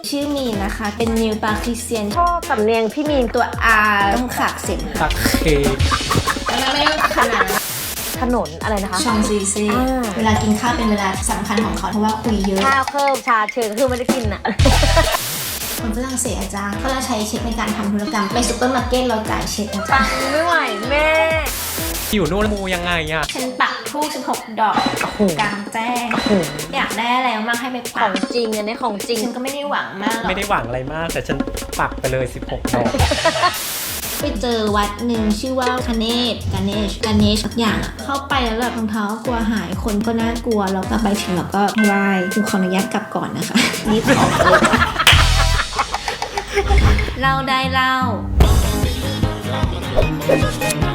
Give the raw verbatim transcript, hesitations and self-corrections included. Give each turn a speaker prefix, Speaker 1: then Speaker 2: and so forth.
Speaker 1: ชื่อมีนนะคะเป็นนิวปาคริเซียน
Speaker 2: ชอบสำเนียงพี่มีน
Speaker 1: ตัว R ต้องขากเสียง
Speaker 3: ตักเค
Speaker 1: แล้วไม่ต้องขนาด
Speaker 2: ถนนอะไรนะคะ
Speaker 1: ชองซีซี
Speaker 2: อ่า
Speaker 1: เวลากินข้าวเป็นเวลาสำคัญของเขาเพราะว่าคุยเยอะ
Speaker 2: ข้าวเพิ่มชาเชิญก็คือไม่ได้กินอะ
Speaker 1: คนฝรั่งเศสอาจารย์เขาจะใช้เช็คในการทำธุรกรรมไปซุปเปอร์มาร์เก็ตเราจ่ายเช็คอาจา
Speaker 2: ปั
Speaker 1: รง ย์
Speaker 2: ไม่ไหวแม่
Speaker 3: อยู่นู่นมูยังไงอะ
Speaker 1: ฉันปักทูบสิบหกดอก
Speaker 2: โอ้โห
Speaker 1: กลางแจ้ง
Speaker 2: โอ้โห
Speaker 1: อยากได้อะไรมากให้ไป
Speaker 2: ข
Speaker 1: ปั
Speaker 2: อก งจริงอันนี้ของจริง
Speaker 1: ฉันก็ไม่ได้หวังมากหรอก
Speaker 3: ไม่ได้หวังอะไรมาก แต่ฉันปักไปเลยสิบหกดอก
Speaker 1: ไปเจอวัดหนึ่งชื่อว่าคเนศกาเนชกาเนชสักอย่างอะเข้าไปแล้วแบบรองเท้ากลัวหายคนก็น่ากลัวแล้วกลับไปถึงเราก็ไหว้คือขออนุญาตกลับก่อนนะคะรีบออกเลยเล่าได้เล่า